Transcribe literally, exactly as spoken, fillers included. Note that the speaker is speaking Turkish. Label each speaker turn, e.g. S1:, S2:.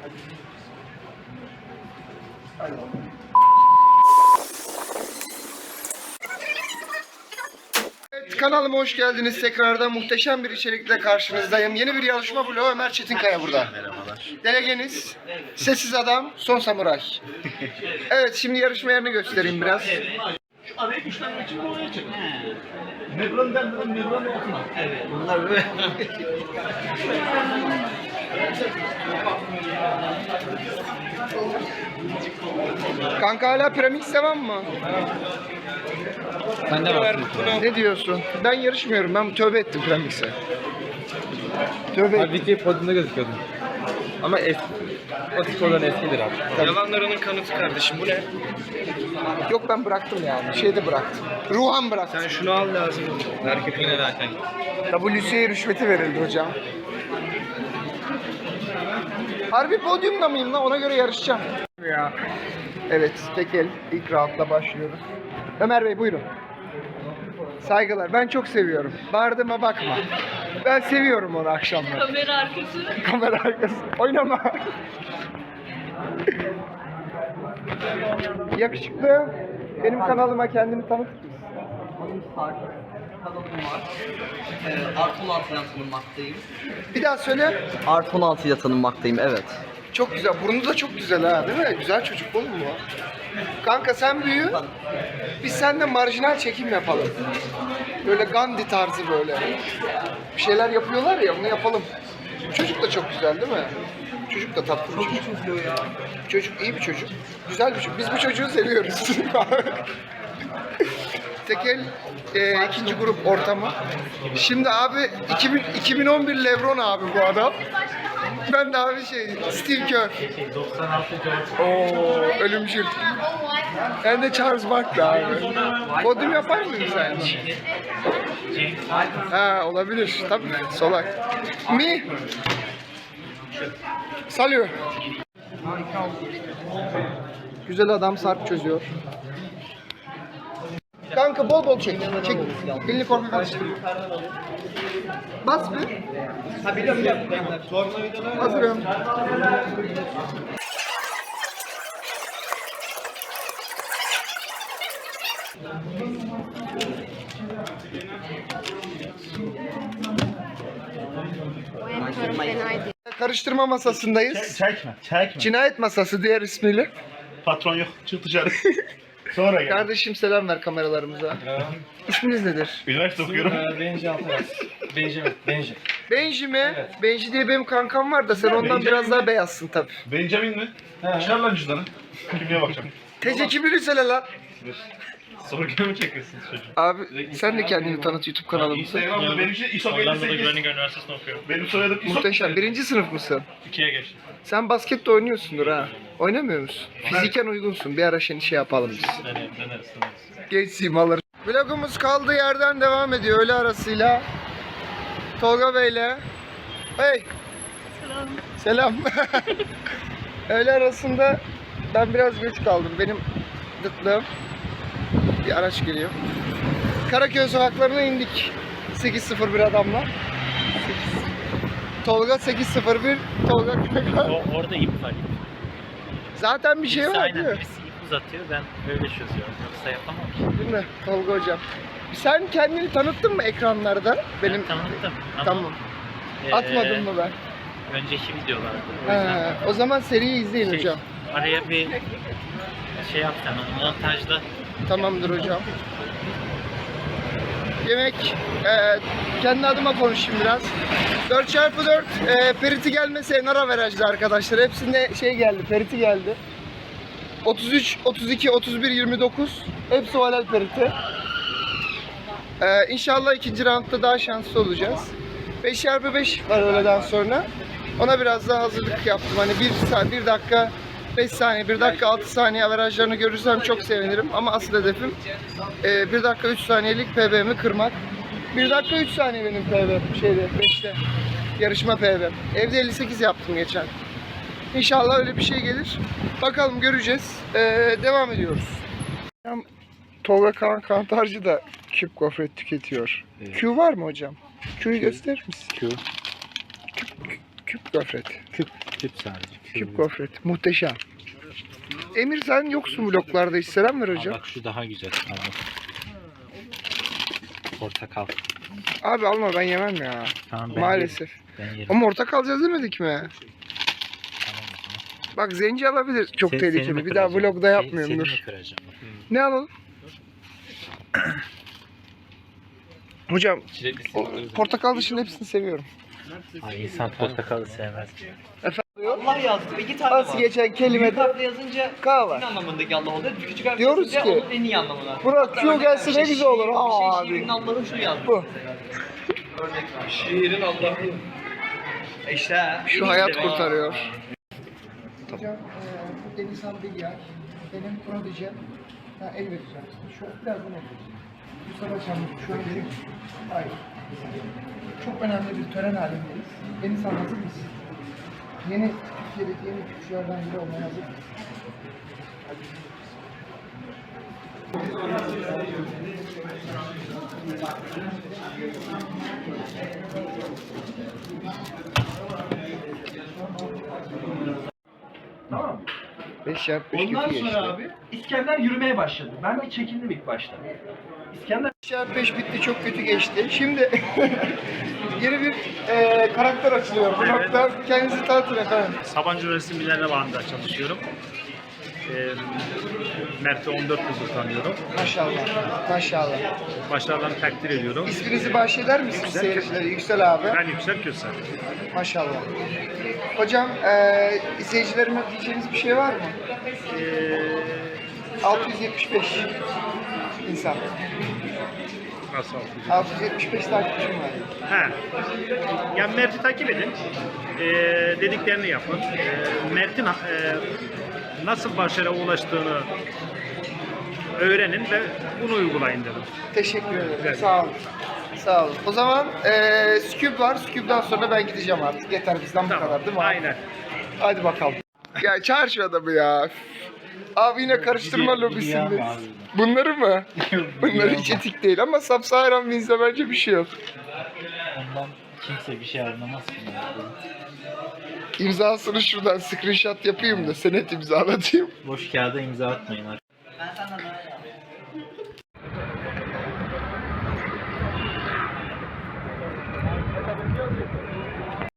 S1: Evet, kanalıma hoş geldiniz. Tekrardan muhteşem bir içerikle karşınızdayım. Yeni bir yarışma bloğu. Ömer Çetinkaya burada.
S2: Merhabalar.
S1: Delegeniz, sessiz adam, son samuray. Evet, şimdi yarışma yerini göstereyim biraz.
S2: Şu arayı güçlenmek için buraya çık. Nebron denmeden Nebron okuma. Evet. Bunlar böyle.
S1: Kanka hala piramit devam mı?
S2: Sen de var.
S1: Ne diyorsun? Ben yarışmıyorum. Ben tövbe ettim piramite. Tövbe ettim.
S3: Halbuki podyumda gözüküyordun. Ama eski, o sporların eskidir abi.
S2: Yalanlarının kanıtı kardeşim. Bu ne?
S1: Yok, ben bıraktım yani. Şeyde bıraktım. Ruhan bıraktım.
S2: Sen şunu al lazım. Erkek yine zaten.
S1: W C A rüşveti verildi hocam. Harbi podyumda mıyım lan? Ona göre yarışacağım. Ya. Evet, tek el ilk roundla başlıyoruz. Ömer Bey buyurun. Saygılar. Ben çok seviyorum. Bağırdığıma bakma. Ben seviyorum onu akşamları.
S4: Kamera arkası.
S1: Kamera arkası. Oynama. Yakışıklı. Benim kanalıma kendini tanıtır mısın?
S5: Adım Sarp. Kanalım var. Ee, Artı on altı ile tanınmaktayım.
S1: Bir daha söyle.
S5: Artı on altı ile tanınmaktayım, evet.
S1: Çok güzel. Burnu da çok güzel ha, değil mi? Güzel çocuk oğlum bu. Kanka sen büyü. Biz seninle marjinal çekim yapalım. Böyle Gandhi tarzı böyle. Bir şeyler yapıyorlar ya, onu yapalım. Çocuk da çok güzel değil mi? Çocuk da tatlı bir çocuk. Çocuk iyi bir çocuk. Güzel bir çocuk. Biz bu çocuğu seviyoruz. Tekel e, ikinci grup ortamı. Şimdi abi iki bin, iki bin on bir Lebron abi bu adam. Ben de abi şey Steve Kerr. Oo, ölümcül. Ben de Charles Barkley abi. Podyum yapar mıyım sen? Ha, olabilir. Tabii. Solak. Mi? Salıyor. Güzel adam sarp çözüyor. Kanka bol bol çek. Çek. Elini korkma karıştır. Bas bir. Ha biliyorum biliyorum. Hazırım. Karıştırma masasındayız.
S2: Çekme, çekme.
S1: Cinayet masası diğer ismiyle.
S2: Patron yok, çık dışarı. Sonra gel.
S1: Kardeşim selam ver kameralarımıza. İsminiz nedir?
S2: Üniversite okuyorum.
S3: Benji Altaras. Benji mi? Benji.
S1: Benji mi? Benji diye benim kankam var da sen ondan
S2: Benjamin
S1: biraz
S2: mi?
S1: daha beyazsın tabii.
S2: Benjamin mi? Çıkar lan cüzdanı. Kimliğe bakacağım.
S1: Tece kimliğini söyle lan.
S2: Sorguya mı çekiyorsunuz çocuğu?
S1: Abi sen de kendini tanıt YouTube kanalımıza.
S2: Instagram'da benim için İSOK elli sekiz.
S6: Groningen Üniversitesi'nde okuyorum.
S2: Benim soyadım İSOK.
S1: Muhteşem. Birinci sınıf mısın?
S6: İkiye geçtim.
S1: Sen basket de oynuyorsundur ha. Oynamıyor musun? Fiziken uygunsun. Bir ara seni şey yapalım biz.
S6: Deneriz, deneriz, deneriz.
S1: Genç simaları. Vlogumuz kaldığı yerden devam ediyor öğle arasıyla. Tolga Bey'le. Hey.
S4: Selam.
S1: Selam. Öğle arasında ben biraz geç kaldım. Benim dıtlığım. Bir araç geliyor. Karaköy sokaklarına indik. sekiz sıfır bir adamla. Tolga sekiz sıfır bir. Tolga Karaköy.
S6: O, orada ip var.
S1: Zaten bir şey
S6: Birisi
S1: var
S6: aynen,
S1: değil mi?
S6: birisi ip uzatıyor, ben öyle çözüyorum. Yoksa yapamam ki.
S1: Değil mi Tolga hocam? Sen kendini tanıttın mı ekranlarda? Benim
S6: Ben tanıttım ama
S1: Tamam.
S6: eee,
S1: Atmadın mı ben?
S6: önceki videolarda. O yüzden
S1: He, o zaman seriyi izleyin
S6: şey,
S1: hocam.
S6: araya bir şey yapsam, montajda
S1: Tamamdır hocam. Yemek, e, kendi adıma konuşayım biraz. dört çarpı dört e, periti gelmese nara verajdı arkadaşlar. Hepsinde şey geldi, periti geldi. otuz üç, otuz iki, otuz bir, yirmi dokuz. Hepsi o helal periti. E, İnşallah ikinci roundda daha şanslı olacağız. beş çarpı beş var öğleden sonra. Ona biraz daha hazırlık yaptım. Hani bir saat, bir dakika, beş saniye, bir dakika altı saniye averajlarını görürsem çok sevinirim. Ama asıl hedefim e, bir dakika üç saniyelik P B'mi kırmak. bir dakika üç saniye benim P B şeyde beşte. Yarışma P B. Evde elli sekiz yaptım geçen. İnşallah öyle bir şey gelir. Bakalım göreceğiz. E, devam ediyoruz. Tolga Kaan Kantarcı da küp gofret tüketiyor. Evet. Q var mı hocam? Q'yu gösterir misin?
S3: Q.
S1: Q, Q Küp gofret.
S3: Küp, küp sadece.
S1: Küp gofret. Muhteşem. Emir sen yoksun vloglarda hiç. Selam ver
S3: Aa,
S1: hocam.
S3: bak şu daha güzel. Abi. Portakal.
S1: Abi alma ben yemem ya.
S3: Tamam ben
S1: Maalesef.
S3: yerim. Ben yerim.
S1: Ama ortak alacağız demedik mi?
S3: Tamam o zaman.
S1: Bak zenci alabilir. Çok
S3: Se- seni
S1: tehlikeli.
S3: mi
S1: Bir daha
S3: kıracağım?
S1: vlogda
S3: Se-
S1: yapmıyorum
S3: seni
S1: dur.
S3: mi kıracağım?
S1: Ne alalım? Hocam
S3: Çilekli
S1: o, portakal dışında hepsini seviyorum.
S3: Ay insan portakalı sevmez.
S5: Allah yazdı. İki tane
S1: Nasıl
S5: var.
S1: geçen
S5: Büyük
S1: kelimede
S5: harfle yazınca
S1: K var.
S5: en anlamındaki Allah oluyor. Küçük harfle
S1: Diyoruz
S5: yazınca
S1: ki,
S5: onun en iyi anlamına.
S1: Burak
S5: Hatta
S1: Q
S5: örnek
S1: gelse
S5: ver,
S1: ne güzel olur.
S5: şiir-
S1: Aa,
S5: bir şey, şiirin
S1: abi.
S5: Allah'ı şu yazdı.
S1: Bu.
S2: Şiirin Allah'ı.
S5: E İşte ha. en
S1: Şu
S5: iyisi
S1: hayat
S5: be.
S1: kurtarıyor. Hocam e, bu Denizhan Bilyar. Benim buna diyeceğim. Ha, el vereceğim. Şu birazdan el vereceğim. Bu sabah şu an benim. Hayır. Çok önemli bir tören halindeyiz. Denizhan hazır mısın? Yeni Türkiye'deki yeni Türkçülerden biri olmaya hazır mısın?
S2: Tamam.
S1: beş yap beş
S2: Ondan
S1: kötü geçti.
S2: sonra abi İskender yürümeye başladı. Ben bir çekindim ilk başta. İskender
S1: beş çarpı beş bitti, çok kötü geçti. Şimdi yeni bir e, karakter açılıyor bu nokta. Kendinizi tanıtın efendim.
S7: Sabancı Üniversitesi Millennium Bağı'nda çalışıyorum. Ee, Mert'i on dört yıldır tanıyorum.
S1: Maşallah, maşallah.
S7: Başarılarını takdir ediyorum.
S1: İsminizi bahşeder misiniz
S7: Yüksel.
S1: seyircilere? Yüksel abi.
S7: Ben Yüksel Köse.
S1: Maşallah. Hocam, e, izleyicilerime diyeceğiniz bir şey var mı?
S7: Ee,
S1: altı yüz yetmiş beş insan.
S7: nasıl oldu?
S1: altı yüz yetmiş beş takipçim var.
S7: Ha. Yani Mert'i takip edin. Ee, dediklerini yapın. Ee, Mert'in e, nasıl başarıya ulaştığını öğrenin ve bunu uygulayın dedim.
S1: Teşekkür ederim.
S7: Evet.
S1: Sağ olun. Sağ olun. O zaman e, Scoob var. Scoob'dan sonra ben gideceğim artık. Yeter bizden bu
S7: Tamam.
S1: kadar değil mi? abi?
S7: Aynen.
S1: Hadi bakalım. Ya çağır şu adamı ya. Abi yine karıştırma
S3: Gidiyor-
S1: lobisindeyiz.
S3: gidiyor abi.
S1: Bunları mı? Bunlar
S3: Gidiyor
S1: hiç
S3: ama.
S1: etik değil ama Sub-Saharan Winds'de bence bir şey yok.
S3: Ondan kimse bir şey anlamaz ki.
S1: İmzasını şuradan screenshot yapayım da senet imzalatayım.
S3: Boş kağıda imza atmayın.